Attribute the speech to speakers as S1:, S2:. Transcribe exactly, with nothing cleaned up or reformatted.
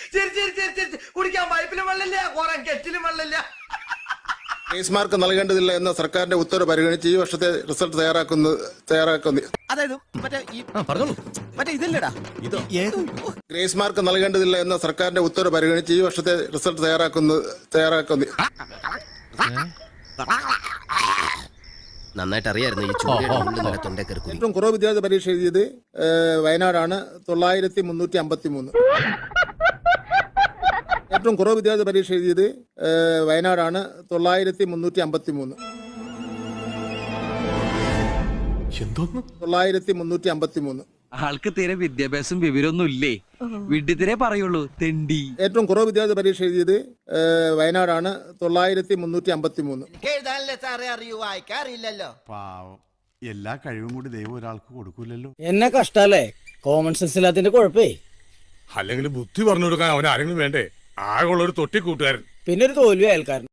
S1: ശരി ശരി ശരി ശരി കുടിക്കാൻ പൈപ്പിലും വെള്ളമില്ല കുറെ കെറ്റിലും വെള്ളമില്ല.
S2: ഗ്രേസ് മാർക്ക് നൽകേണ്ടതില്ല എന്ന സർക്കാരിന്റെ ഉത്തരവ് പരിഗണിച്ച് ഈ വർഷത്തെ റിസൾട്ട് തയ്യാറാക്കുന്നു തയ്യാറാക്കുന്നു
S3: അതായത് മറ്റേ ഈ പറഞ്ഞോളൂ മറ്റേ ഇതില്ലടാ ഇതോ
S2: ഗ്രേസ് മാർക്ക് നൽകേണ്ടതില്ല എന്ന സർക്കാരിന്റെ ഉത്തരവ് പരിഗണിച്ച് ഈ വർഷത്തെ റിസൾട്ട് തയ്യാറാക്കുന്നു തയ്യാറാക്കുന്നു
S3: നന്നായിട്ട് അറിയായിരുന്നു ഈ ചൂടിന്റെ തൊണ്ടക്കറി
S2: ഏറ്റവും കുറവ് വിദ്യാർത്ഥി പരീക്ഷ എഴുതിയത് വയനാടാണ്, തൊള്ളായിരത്തി മുന്നൂറ്റി അമ്പത്തി മൂന്ന്. ഏറ്റവും കുറവ് വിദ്യാർത്ഥി പരീക്ഷ എഴുതിയത് വയനാടാണ്, തൊള്ളായിരത്തി മുന്നൂറ്റി അമ്പത്തി മൂന്ന്. തൊള്ളായിരത്തി മുന്നൂറ്റി അമ്പത്തി മൂന്ന്.
S4: ആൾക്ക് തീരെ വിദ്യാഭ്യാസം വിവരമൊന്നും ഇല്ലേ, വിഡ്ഢിത്തിരെ പറയുള്ളൂ തെണ്ടി.
S2: ഏറ്റവും കുറവ് വിദ്യാർത്ഥി പരീക്ഷ എഴുതിയത് വയനാടാണ്, തൊള്ളായിരത്തി മുന്നൂറ്റി അമ്പത്തി മൂന്ന്.
S1: എഴുതാനല്ലേ സാറേ അറിയൂ, വായിക്കാറില്ലല്ലോ.
S5: പാവം, എല്ലാ കഴിവും കൂടി ദൈവം ഒരാൾക്ക് കൊടുക്കൂലല്ലോ.
S6: എന്നെ കഷ്ടല്ലേ, കോമൺ സെൻസ് ഇല്ലാത്തിന്റെ കുഴപ്പേ.
S7: അല്ലെങ്കിൽ ബുദ്ധി പറഞ്ഞു കൊടുക്കാൻ അവൻ ആരെങ്കിലും വേണ്ടേ? ആകെയുള്ള ഒരു തൊട്ടി കൂട്ടുകാരൻ,
S6: പിന്നെ ഒരു തോൽവി അയൽക്കാരൻ.